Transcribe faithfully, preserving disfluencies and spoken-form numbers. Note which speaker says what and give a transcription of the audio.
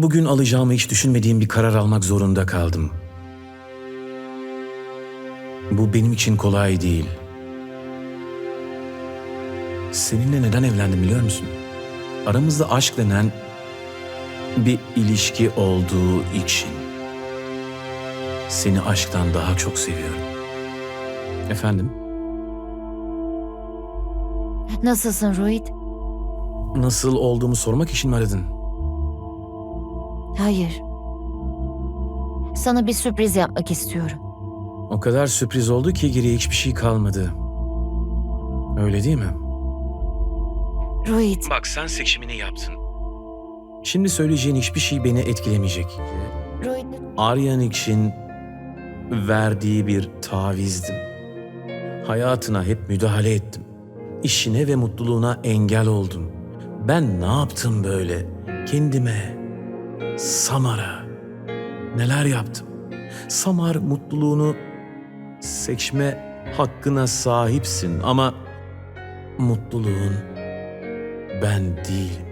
Speaker 1: Bugün alacağımı hiç düşünmediğim bir karar almak zorunda kaldım. Bu benim için kolay değil. Seninle neden evlendim biliyor musun? Aramızda aşk denen bir ilişki olduğu için. Seni aşktan daha çok seviyorum. Efendim?
Speaker 2: Nasılsın Rohit?
Speaker 1: Nasıl olduğumu sormak için mi aradın?
Speaker 2: Hayır. Sana bir sürpriz yapmak istiyorum.
Speaker 1: O kadar sürpriz oldu ki geriye hiçbir şey kalmadı. Öyle değil mi?
Speaker 2: Rohit,
Speaker 1: Bak sen seçimini yaptın. Şimdi söyleyeceğin hiçbir şey beni etkilemeyecek.
Speaker 2: Rohit,
Speaker 1: Aryan için verdiği bir tavizdim. Hayatına hep müdahale ettim. İşine ve mutluluğuna engel oldum. Ben ne yaptım böyle? Kendime, Samar'a neler yaptım? Samar mutluluğunu seçme hakkına sahipsin ama mutluluğun ben değilim.